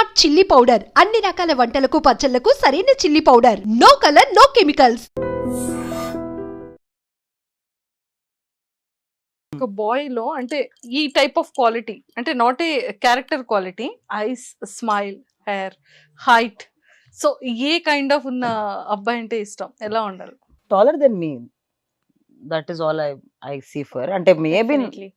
Hot chilli powder అన్ని రకాల వంటలకు పచ్చళ్లకు సరైన chilli powder. No colour no chemicals. ఒక బాయ్ లో అంటే ఈ టైప్ ఆఫ్ క్వాలిటీ అంటే not a character quality, eyes, smile, hair, height, so a kind of ఉన్న అబ్బాయి అంటే ఇష్టం? ఎలా ఉండాలి? taller than me. That is all I see for. అంటే maybe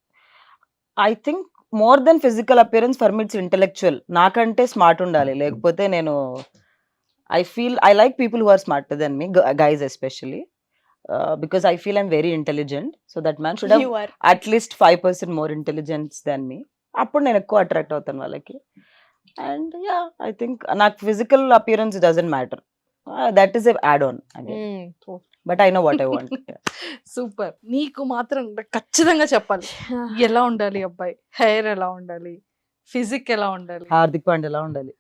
I think more than physical appearance for me it's intellectual. నాకంటే smart ఉండాలి, లేకపోతే నేను I feel I like people who are smarter than me, guys especially, because I feel I'm very intelligent. So that man should have at least 5% more intelligence than me. అప్పుడు నేను ఎక్కువ attract అవుతాను వాళ్ళకి. And yeah, I think నాకు physical appearance doesn't matter. That is a add-on again. But I know what I want. Super. నీకు మాత్రం ఖచ్చితంగా చెప్పాలి, ఎలా ఉండాలి అబ్బాయి? హెయిర్ ఎలా ఉండాలి? ఫిజిక్ ఎలా ఉండాలి? హార్దిక్ పాండ్యా ఎలా ఉండాలి?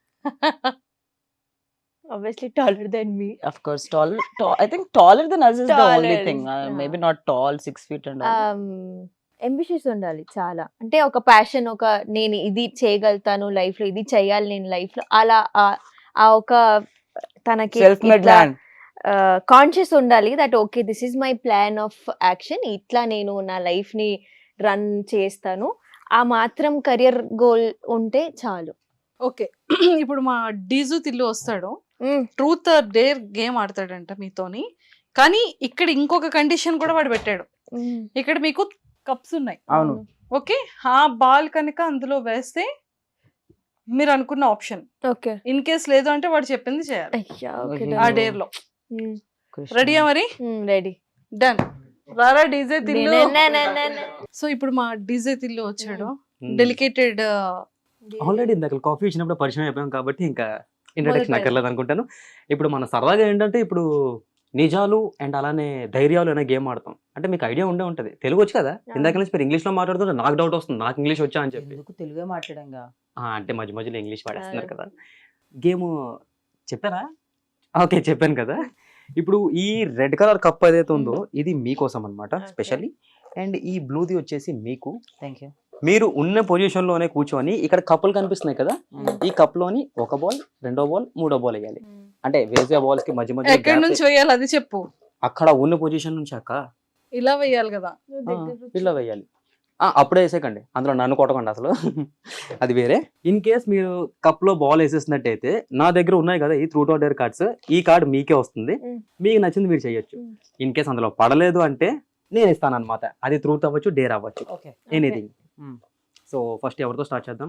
Obviously taller than me. Of course, tall. I think taller than us is the only Taller, thing. Maybe not tall, 6 feet and all. ambitious ఉండాలి చాలా. అంటే ఒక ప్యాషన్, ఒక నేను ఇది చేయగలుగుతాను లైఫ్ లో, ఇది చేయాలి నేను లైఫ్ లో, అలా ఆ ఒక తనకి Self-made man. కాన్షియస్ ఉండాలి that okay this is my plan of action, ఇట్లా నేను నా లైఫ్ ని రన్ చేస్తాను, ఆ మాత్రం కెరియర్ గోల్ ఉంటే చాలు. ఓకే. ఇప్పుడు మా డీజు తిల్లు వస్తాడు, ట్రూత్ ఆర్ డేర్ గేమ్ ఆడతాడంట మీతోని. కానీ ఇక్కడ ఇంకొక కండిషన్ కూడా వాడు పెట్టాడు. ఇక్కడ మీకు కప్స్ ఉన్నాయి, అవును. ఓకే, ఆ బాల్ కనుక అందులో వేస్తే మీరు అనుకున్న ఆప్షన్, ఓకే ఇన్ కేస్ లేదు అంటే వాడు చెప్పింది చేయాలి ఆ డేర్ లో. రెడీయా మరి? Ready, done. రారా డీజే తిల్లు. సో ఇప్పుడు మా డీజే తిల్లు వచ్చాడు. డెలికేటెడ్ ఆల్రెడీ ఇందాక కాఫీ ఇచ్చినప్పుడు పరిచయం అయిపోయాం కాబట్టి ఇంకా ఇంట్రడక్షన్ అక్కర్లేదు అనుకుంటాను. ఇప్పుడు మన సరదాగా ఏంటంటే ఇప్పుడు నిజాలు అండ్ అలానే ధైర్యాలు అనే గేమ్ ఆడతాం. అంటే మీకు ఐడియా ఉండే ఉంటుంది, తెలుగు వచ్చి కదా, ఇందాక నుంచి మీరు ఇంగ్లీష్ లో మాట్లాడుతుంటే నాకు డౌట్ వస్తుంది, నాకు ఇంగ్లీష్ వచ్చా అని చెప్పి. తెలుగే మాట్లాడంగా అంటే మధ్య మధ్యలో ఇంగ్లీష్ వాడేస్తున్నారు కదా. గేమ్ చెప్పారా? ఓకే, చెప్పాను కదా. ఇప్పుడు ఈ రెడ్ కలర్ కప్ ఏదైతే ఉందో ఇది మీకోసం అనమాట స్పెషల్లీ. అండ్ ఈ బ్లూది వచ్చేసి మీకు. Thank you. మీరు ఉన్న పొజిషన్ లోనే కూర్చొని ఇక్కడ కప్పులు కనిపిస్తున్నాయి కదా, ఈ కప్ లోని ఒక బాల్, రెండో బాల్, మూడో బాల్ వేయాలి. అంటే వేసే బాల్స్ కి మధ్య మధ్య ఎక్కడి నుంచి వేయాలి అది చెప్పు. అక్కడ ఉన్న పొజిషన్ నుంచి అక్క ఇలా వేయాలి కదా, ఇలా వేయాలి. అప్పుడే వేసేకండి, అందులో నన్ను కొట్టకండి అసలు, అది వేరే. ఇన్ కేస్ మీరు కప్ లో బాల్ వేసేసినట్టయితే నా దగ్గర ఉన్నాయి కదా ఈ ట్రూత్ ఆర్ డేర్ కార్డ్స్, ఈ కార్డ్ మీకే వస్తుంది, మీకు నచ్చింది మీరు చేయొచ్చు. ఇన్ కేస్ అందులో పడలేదు అంటే నేను ఇస్తాను అనమాట, అది ట్రూత్ అవ్వచ్చు, డేర్ అవ్వచ్చు, ఎనీథింగ్. సో ఫస్ట్ ఎవరితో స్టార్ట్ చేద్దాం?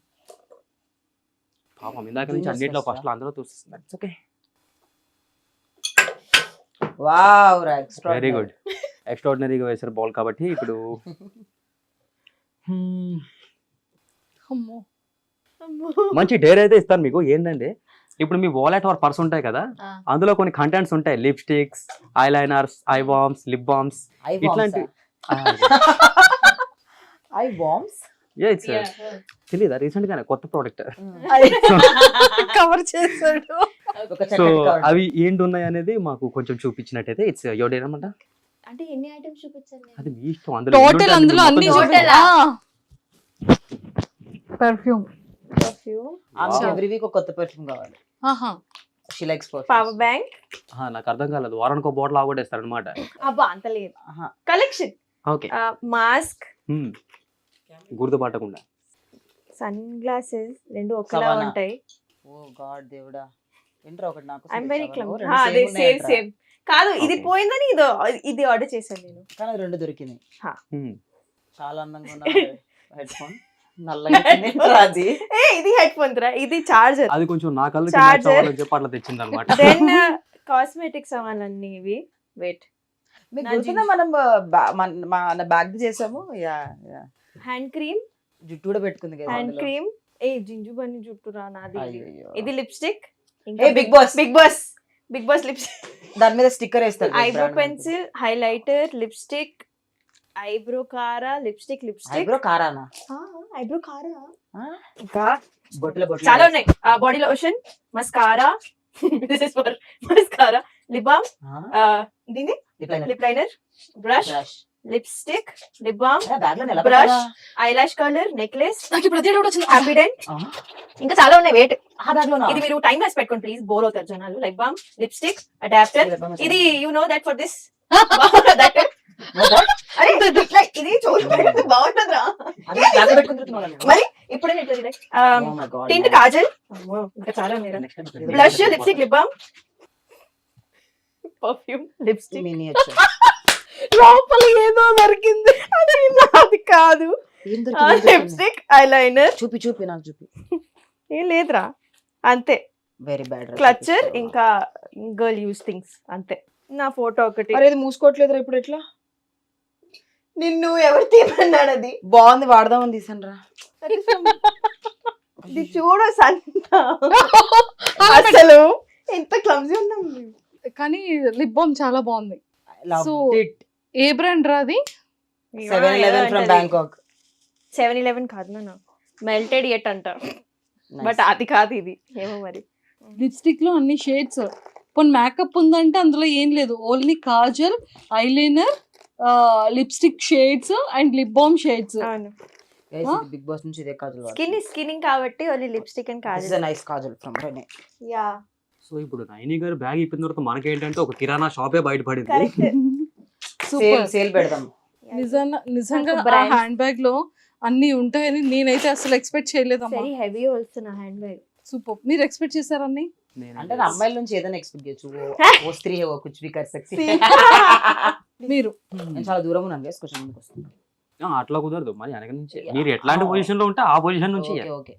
పాపం ఇందాక నుంచి అన్నిట్లో ఫస్ట్ లో అందరూ చూస్తున్నారు. Okay, wow, very good. ఎక్స్ట్రాడినరీగా వేసారు బాల్ కాబట్టి ఇప్పుడు మంచి డేర్ అయితే ఇస్తాను మీకు. ఏంటంటే ఇప్పుడు మీ వాలెట్ ఆర్ పర్స్ ఉంటాయి కదా, అందులో కొన్ని కంటెంట్స్ ఉంటాయి, lipsticks, eyeliners, eye balms, lip balms, ఇట్లాంటి. ఐ బామ్స్ తెలీదా? రీసెంట్ గానే కొత్త ప్రోడక్ట్ కవర్ చేశాడు. సో అవి ఏంటి ఉన్నాయి అనేది మాకు కొంచెం చూపించినట్టయితే ఇట్స్ యువర్ డేర్ అన్నమాట. అంటే ఎన్ని ఐటమ్స్ చూపించాలి? అది మీ ఇష్టం. టోటల్ అందులో అన్ని పర్ఫ్యూమ్. ఎవ్రీ వీక్ ఒక కొత్త పర్ఫ్యూమ్ కావాలి. She likes perfume. Power bank. నాకు అర్థం కాలేదు, వారానికి ఒక బాటిల్ ఆగొట్టేస్తారు అనమాట. అబ్బా అంత లేదు. కలెక్షన్. ఓకే, మాస్క్, గుర్తుపట్టకుండా సన్ గ్లాసెస్ రెండు ఒకలా ఉంటాయి. ఓ గాడ్ దేవుడా, ఏంట్రా ఒకటి నాకు. I am very calm. అదే సేమ్ సేమ్ కాదు, ఇది పోయిందని ఇది ఆర్డర్ చేశాను నేను, కానీ రెండు దొరికినాయి. చాలా అందంగా ఉన్న హెడ్ ఫోన్, అది ఇది హెడ్ ఫోన్ రా, ఇది చార్జర్. అది కొంచెం నా కళ్ళు చెప్పి అట్లా తెచ్చింది అనమాట. దెన్ కాస్మెటిక్స్ అవన్నీ ఇవి. వెయిట్, మీకు గుర్తుందా మనం మన బ్యాగ్ చేసాము? హ్యాండ్ క్రీమ్, జుట్టు కూడా పెట్టుకుంది కదా హ్యాండ్ క్రీమ్. జింజు బన్ని జుట్టు రా నాది. ఇది lipstick. Bigg Boss, Bigg Boss, Bigg Boss lipstick. దాని మీద స్టిక్కర్ వేస్తారు. Eyebrow pencil, highlighter, lipstick, eyebrow కారా, లిప్స్టిక్, ఐబ్రో కారానా? ఐబ్రో కారా. ఇంకా చాలా ఉన్నాయి. Body lotion, mascara, this is for mascara, lip balm, దీని lip liner, brush, lipstick, lip balm, bag లో బ్రష్, ఐలాష్ కలర్, నెక్లెస్, నాకు ఇప్పుడు అదే డౌట్ వచ్చింది. హ్యాపీడెంట్, ఇంకా చాలా ఉన్నాయి. వెయిట్, బ్యాగ్ లో ఇది మీరు టైం వేస్ట్ పెట్టుకోండి ప్లీజ్, బోర్ అవుతారు జనాలు. లిప్ బామ్, లిప్స్టిక్, అడాప్టర్, ఇది you know that for this అరే ఇట్లా ఇది చూడండి బాగుంటుందిరా. మరి ఇప్పుడే టింట్, కాజల్, ఇంకా చాలా blush, lipstick, lip balm, perfume, lipstick, లోపల ఏదో దొరికింది అది కాదు. లిప్స్టిక్, ఐలైనర్, చూపి నాకు చూపి. ఏం లేదురా అంతే. వెరీ బ్యాడ్ క్లచర్, ఇంకా గర్ల్ యూస్ థింగ్స్ అంతే. నా ఫోటో ఒకటి. అరే ఇది మూసుకోవట్లేదురా ఇప్పుడు ఎట్లా? నిన్ను ఎవరు తీయమన్నాడు? అది బాగుంది, వాడదామని తీసాను రా. ఇది చూడు సంత, అసలు ఎంత క్లమ్జీ ఉన్నాం. కానీ లిప్ బామ్ చాలా బాగుంది. So, ఏ బ్రాండ్ రాది? 7-Eleven from Bangkok. 7-Eleven కాదు నాన్న, మెల్టెడ్ ఎట్ అంటారు, బట్ అది కాదు ఇది. ఏమో మరి. లిప్స్టిక్ లో అన్ని షేడ్స్. పోనీ మేకప్ ఉందంటే అందులో ఏం లేదు, only kajal, eyeliner, lipstick shades and lip balm shades. Bigg Boss నుంచి ఇదే కాజల్. స్కిన్నింగ్ కాబట్టి only lipstick and kajal. Nice kajal from Renee. Yeah so ఇప్పుడు నైని గారు బ్యాగ్ ఇప్పిన తర్వాత మనకేంటంటే ఒక కిరాణా షాపే బయటపడింది. కరెక్ట్. సూపర్. సేల్ పెడదాం. నిజంగా ఆ brand. హ్యాండ్ బ్యాగ్ లో అన్ని ఉంటాయని నేనైతే అసలు ఎక్స్పెక్ట్ చేయలేదమ్మా. వెరీ హెవీ ఆల్సో నా హ్యాండ్ బ్యాగ్. సూపర్. మీరు ఎక్స్పెక్ట్ చేశారని? అంటే నా అమ్మాయిల నుంచి ఏదైనా ఎక్స్పెక్ట్ చేయొచ్చు. ఓ స్త్రీ హే, ఓ కుచ్ భీ కర్ సక్తి. మీరు నేను చాలా దూరం ఉన్నాను గైస్, కొంచెం ముందుకు వస్తాను. అట్లా కుదరదు మరి వెనక నుంచి. మీరు ఎట్లాంటి పొజిషన్ లో ఉంటే ఆ పొజిషన్ నుంచి ఓకే.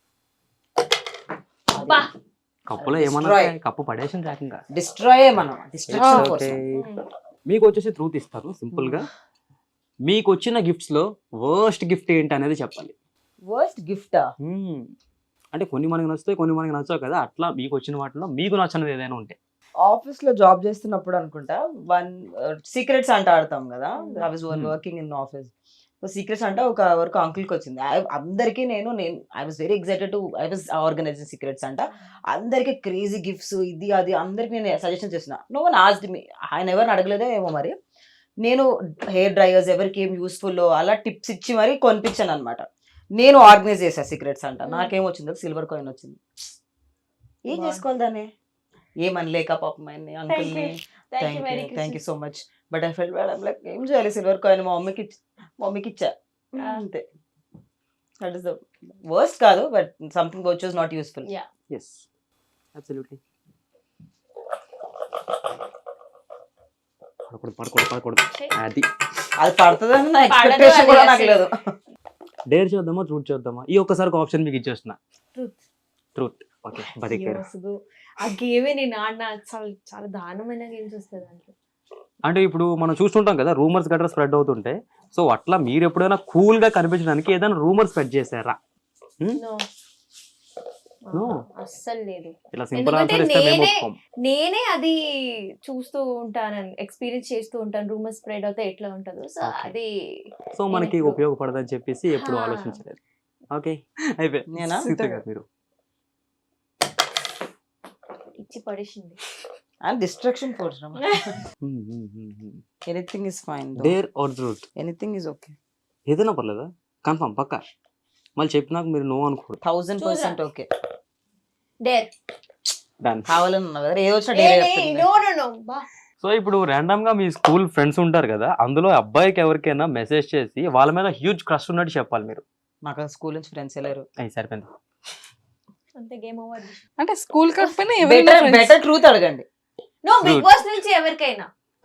కప్పులో ఏమన్నా Destroy. కప్పు పడేసిన రాకంగా. డిస్ట్రాయ్ మనం, డిస్ట్రక్షన్ ఫోర్స్. మీకు వచ్చేసి ట్రూత్ ఇస్తారు సింపుల్ గా. మీకు వచ్చిన గిఫ్ట్స్ లో వర్స్ట్ గిఫ్ట్ ఏంటి అనేది చెప్పాలి. వర్స్ట్ గిఫ్టా? అంటే కొన్ని మనకి నచ్చుతాయి, కొన్ని మనకి నచ్చవు కదా. అట్లా మీకు వచ్చిన వాటిలో మీకు నచ్చినది ఏదైనా ఉంటే. ఆఫీస్ లో జాబ్ చేస్తున్నప్పుడు అనుకుంటా, సీక్రెట్స్ అంట ఆడతాం కదా. I was working in office. Secrets అంటే ఒక వరకు అంకుల్కి వచ్చింది. అందరికీ నేను I was very excited to I was organising secrets అంట. అందరికీ క్రేజీ గిఫ్ట్స్ ఇది అది అందరికి నేను సజెషన్ చేసిన. No one asked me. ఆయన ఎవరిని అడగలేదో ఏమో మరి. నేను హెయిర్ డ్రైయర్స్ ఎవరికి ఏం యూస్ఫుల్ అలా టిప్స్ ఇచ్చి మరి కొనిపించాను అనమాట. నేను ఆర్గనైజ్ చేసా సీక్రెట్స్ అంట. నాకేం వచ్చింది? సిల్వర్ కాయిన్ వచ్చింది. ఏం చేసుకోవాలి దాన్ని? ఏమనలేక పాపం ఆయన్ని, అంకుల్ని. Thank you so much. But I felt bad. I'm like ఏం చేయాలి? సిల్వర్ కాయిన్ మా మమ్మీకి ఇచ్చా అంతే. దట్ ఈస్ ద వర్స్ట్ కాదు, but something which was not useful. yes absolutely. పడకూడదు అది అది పడుతుందని నా ఎక్స్పెక్టేషన్ కూడా నాకు లేదు. డేర్ చేద్దామా ట్రూత్ చేద్దామా? ఈ ఒక్కసారి ఆప్షన్ మీకు ఇచ్చేస్తున్నా. ట్రూత్. ఓకే బతికారు. ఆ గేమే నేను ఆడిన చాలా దారుణమైన గేమ్స్ వస్తుంది దాంట్లో. అంటే ఇప్పుడు మనం చూస్తుంటాం కదా రూమర్స్ గట్రా స్ప్రెడ్ అవుతుంటే. సో అట్లా మీరు ఎప్పుడైనా కూల్ గా కనిపించడానికి ఏదైనా రూమర్ స్ప్రెడ్ చేశారా? No. అస్సలు లేదు. ఇలా సింపుల్ ఆన్సర్ ఇస్తే మేము ఒప్పుకోం. నేనే అది చూస్తూ ఉంటాను, ఎక్స్పీరియన్స్ చేస్తూ ఉంటాను. రూమర్ స్ప్రెడ్ అవుతే ఎట్లా ఉంటుందో. సో అది సో మనకి ఉపయోగపడదని చెప్పేసి ఎప్పుడు ఆలోచించలేదు. ఓకే అయిపోయి నేనా? మీరు ఇచ్చి పడేసింది. And destruction force. Anything is fine. Dare or truth? Anything is okay. ఏదైనా పర్లేదా? కన్ఫర్మ్ పక్కా? మళ్ళీ చెప్పినాక మీరు నో అనుకోండి. 1000% ఓకే. Dare done. కావాలని ఉన్నా కదా, ఏదో వచ్చినా డేర్ చెప్తుంది. నో సో ఇప్పుడు ర్యాండమ్ గా మీ స్కూల్ ఫ్రెండ్స్ ఉంటారు కదా, అందులో అబ్బాయికి ఎవరికైనా మెసేజ్ చేసి వాళ్ళ మీద హ్యూజ్ క్రష్ ఉన్నట్టు చెప్పాలి మీరు. నాకు స్కూల్ నుంచి ఫ్రెండ్స్ వెళ్ళారు. అయ్యి సరిపోయింది. అంతే, గేమ్ ఓవర్. అంటే స్కూల్ కాకపోయినా ఎవరైనా బెటర్ ట్రూత్ అడగండి. నో, బిగ్ బాస్ నుంచి ఎవరికైనా.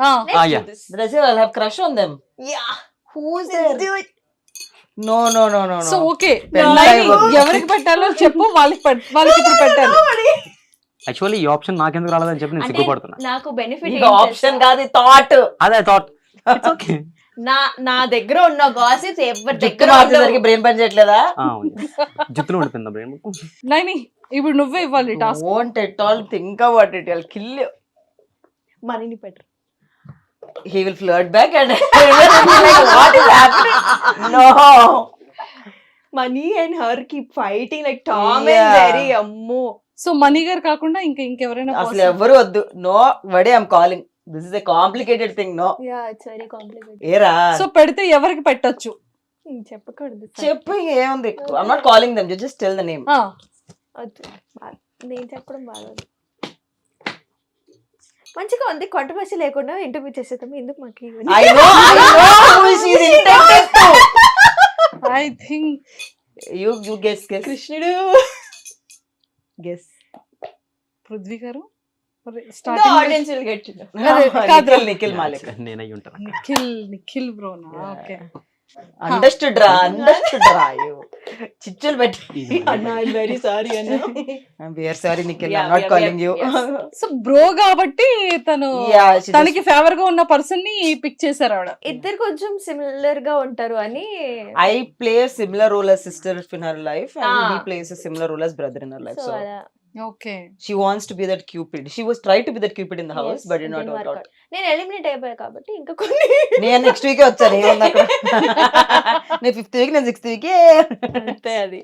Crush on them. Yeah, who's this dude? No no no no. So okay, ఎవరికి పెట్టాలో చెప్పు, వాళ్ళకి ఇప్పుడు పెట్టాలి. యాక్చువల్లీ ఈ ఆప్షన్ నాకెందుకు రాలేదని చెప్పి నేను సిగ్గుపడుతున్నా. నాకు బెనిఫిట్ ఆప్షన్ కాదు, థాట్. అదే థాట్. ఓకే, నా దగ్గర ఉన్న గాసిప్స్ ఎవరి దగ్గర దగ్గర బ్రెయిన్ పని చేయట్లేదా? జుట్టులో ఉండిపోయిందా బ్రెయిన్? నైని ఇప్పుడు నువ్వే ఇవ్వాలి task. Won't at all think about it. I'll kill you. మనీని పెట్టరు. He will flirt back and like, what is happening? No. Money and her keep fighting like Tom and Jerry. అమ్మో. So Mani గారు కాకుండా ఇంకెవరైనా అసలు ఎవరు వద్దు. నో వడే I'm calling. This is a complicated thing no ya it's very complicated. ఏరా so పెడితే ఎవరికి పెట్టొచ్చు? చెప్పకూడదు. చెప్పు ఏముంది, I'm not calling them, just tell the name. ఆ, వద్దు. నేను చెప్పడం బాగోదు. మంచిగా ఉంది, కొంటమసి లేకుండా ఇంటర్వ్యూ చేసేద్దాం. ఎందుకు మాకు ఇవన్నీ? I know who she is intended to. I think You guess. కృష్ణుడు. Guess. పృథ్వీ గారు The starting audience will get to know. కాదు. నిఖిల్ మాలిక్. నేను అయ్యి ఉంటాను. నిఖిల్ బ్రోనా? ఓకే. అండర్స్టూడ్ రా చిచ్చులు పెట్టి అన్న ఐ వెరీ సారీ అన్న I very sorry Nikhil, I not calling you. So bro కాబట్టి తను తనకి ఫేవర్ గా ఉన్న పర్సన్ ని పిక్ చేశారు ఆవిడ. ఇద్దరు కొంచెం సిమిలర్ గా ఉంటారు అని. I play a similar role as sister in her life and Ah. he plays a similar role as brother in her life. So So అలా. Okay. she wants to be that Cupid. She was tried to be that Cupid in the house, Yes, but did it not didn't work work out. out. నేను eliminate అయిపోయా కాబట్టి ఇంకా కొన్ని. నేను next week వచ్చాను, ఏమన్నా నేను 5th వీక్, నేను 6th వీక్. అంతే అది.